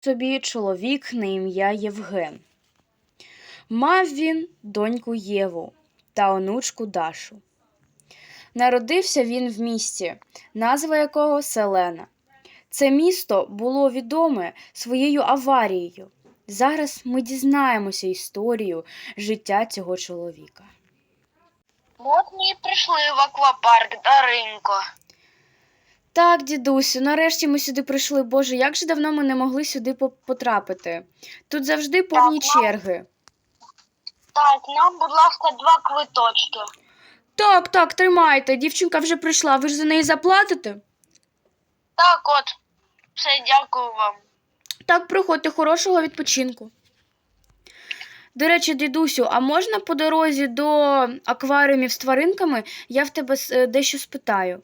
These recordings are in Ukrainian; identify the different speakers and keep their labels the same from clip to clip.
Speaker 1: Собі чоловік на ім'я Євген. Мав він доньку Єву та онучку Дашу. Народився він в місті, назва якого Селена. Це місто було відоме своєю аварією. Зараз ми дізнаємося історію життя цього чоловіка.
Speaker 2: От ми і прийшли в аквапарк, Даринко.
Speaker 1: Так, дідусю, нарешті ми сюди прийшли. Боже, як же давно ми не могли сюди потрапити. Тут завжди повні черги.
Speaker 2: Так, нам, будь ласка, 2 квиточки.
Speaker 1: Так, тримайте. Дівчинка вже прийшла. Ви ж за неї заплатите?
Speaker 2: Так, от, все, дякую вам.
Speaker 1: Так, приходьте, хорошого відпочинку. До речі, дідусю, а можна по дорозі до акваріумів з тваринками я в тебе дещо спитаю?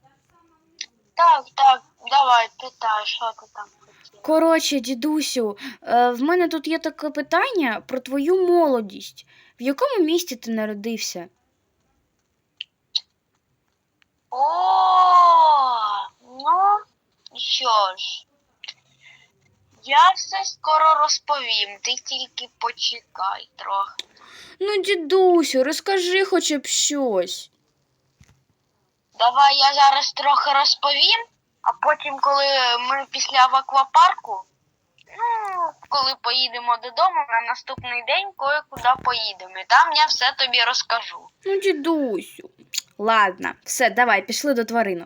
Speaker 2: Так, давай, питай, що ти там хотів.
Speaker 1: Коротше, дідусю, в мене тут є таке питання про твою молодість. В якому місті ти народився?
Speaker 2: Ну, що ж. Я все скоро розповім, ти тільки почекай трохи.
Speaker 1: Ну, дідусю, розкажи хоча б щось.
Speaker 2: Давай я зараз трохи розповім, а потім, коли ми після в аквапарку, коли поїдемо додому, на наступний день кое-куди поїдемо. І там я все тобі розкажу.
Speaker 1: Ну, дідусю. Ладно, все, давай, пішли до тваринок.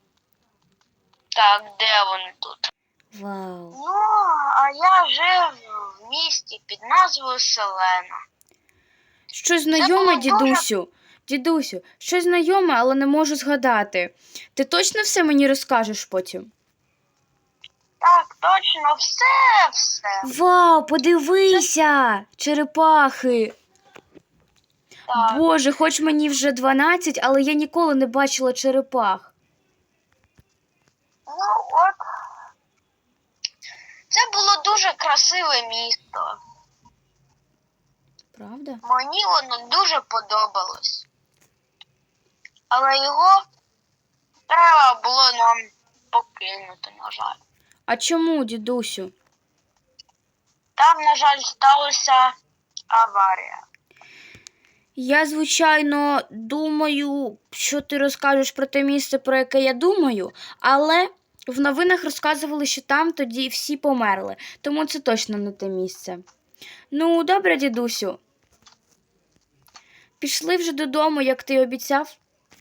Speaker 2: Так, де вони тут?
Speaker 1: Вау.
Speaker 2: Ну, а я жив в місті під назвою Селена.
Speaker 1: Щось знайоме,
Speaker 2: було дуже-
Speaker 1: дідусю? Дідусю, щось знайоме, але не можу згадати. Ти точно все мені розкажеш потім?
Speaker 2: Так, точно, все.
Speaker 1: Вау, подивися! Черепахи!
Speaker 2: Так.
Speaker 1: Боже, хоч мені вже 12, але я ніколи не бачила черепах.
Speaker 2: Ну, от. Це було дуже красиве місто.
Speaker 1: Правда?
Speaker 2: Мені воно дуже подобалось. Але його треба було нам покинути, на жаль.
Speaker 1: А чому, дідусю?
Speaker 2: Там, на жаль, сталася аварія.
Speaker 1: Я, звичайно, думаю, що ти розкажеш про те місце, про яке я думаю, але в новинах розказували, що там тоді всі померли, тому це точно не те місце. Ну, добре, дідусю. Пішли вже додому, як ти обіцяв?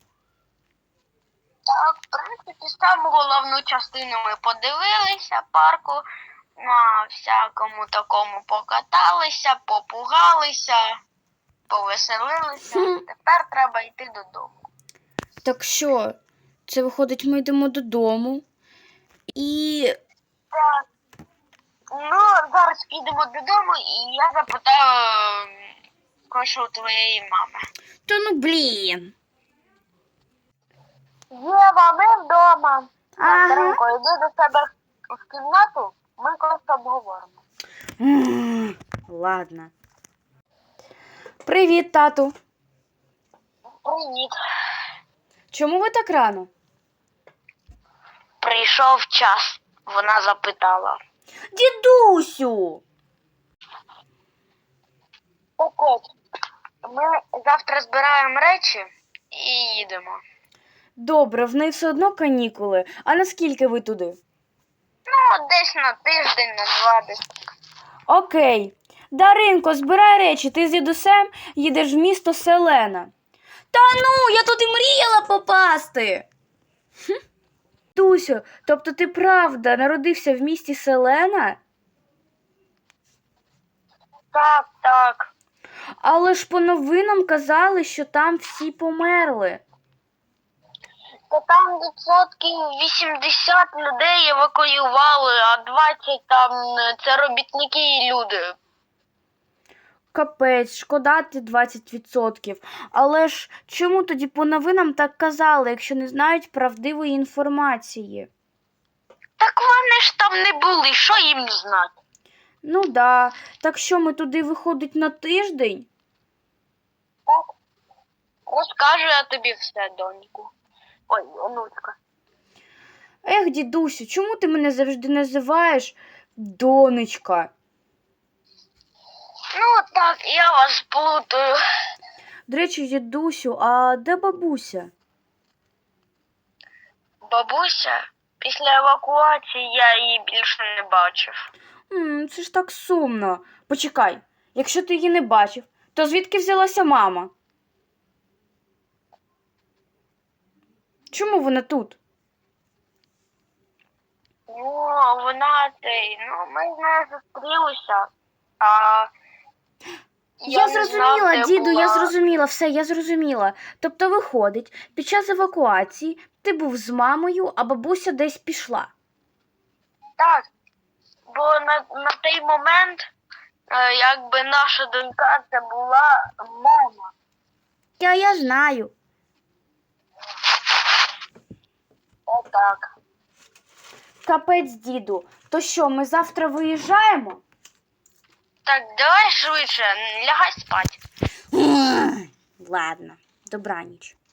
Speaker 2: Так, в принципі, саму головну частину ми подивилися парку, на всякому такому покаталися, попугалися, повеселилися. Тепер треба йти додому.
Speaker 1: Так що, це виходить, ми йдемо додому. І
Speaker 2: Так. Ну, зараз підемо додому і я запитаю кое-що у твоєї мами.
Speaker 1: Та ну блін.
Speaker 2: Єва, ми вдома.
Speaker 1: Ага.
Speaker 2: Даринко, йди до себе в кімнату, ми просто обговоримо.
Speaker 1: Ладно. Привіт, тату.
Speaker 2: Привіт.
Speaker 1: Чому ви так рано?
Speaker 2: Прийшов час, вона запитала.
Speaker 1: Дідусю!
Speaker 2: Так от, ми завтра збираємо речі і їдемо.
Speaker 1: Добре, в неї все одно канікули. А наскільки ви туди?
Speaker 2: Ну, десь на тиждень, на 2 десь.
Speaker 1: Окей. Даринко, збирай речі, ти з дідусем їдеш в місто Селена. Та ну, я тут і мріяла попасти. Дусю, тобто ти правда народився в місті Селена?
Speaker 2: Так.
Speaker 1: Але ж по новинам казали, що там всі померли.
Speaker 2: Та там 80% людей евакуювали, а 20 там це робітники і люди.
Speaker 1: Капець, шкода ті 20%. Але ж чому тоді по новинам так казали, якщо не знають правдивої інформації?
Speaker 2: Так вони ж там не були, що їм знати?
Speaker 1: Ну да, так що ми туди виходить на тиждень?
Speaker 2: Так. Розкажу я тобі все, доньку. Ой, онучка.
Speaker 1: Ех, дідусю, чому ти мене завжди називаєш Донечка.
Speaker 2: Ну так, я вас плутаю.
Speaker 1: До речі, дідусю, а де бабуся?
Speaker 2: Бабуся, після евакуації я її більше не бачив.
Speaker 1: Це ж так сумно. Почекай, якщо ти її не бачив, то звідки взялася мама? Чому вона тут?
Speaker 2: Ну, вона ми з нею зустрілися, а
Speaker 1: Я
Speaker 2: не знав,
Speaker 1: зрозуміла,
Speaker 2: де
Speaker 1: діду, я
Speaker 2: була.
Speaker 1: зрозуміла, все, я зрозуміла. Тобто, виходить, під час евакуації ти був з мамою, а бабуся десь пішла.
Speaker 2: Так, бо на той момент, якби наша донька це була мама.
Speaker 1: Я знаю.
Speaker 2: Отак.
Speaker 1: Капець, діду. То що, ми завтра виїжджаємо?
Speaker 2: Так, давай швидше, лягай спать.
Speaker 1: Ладно, добраніч.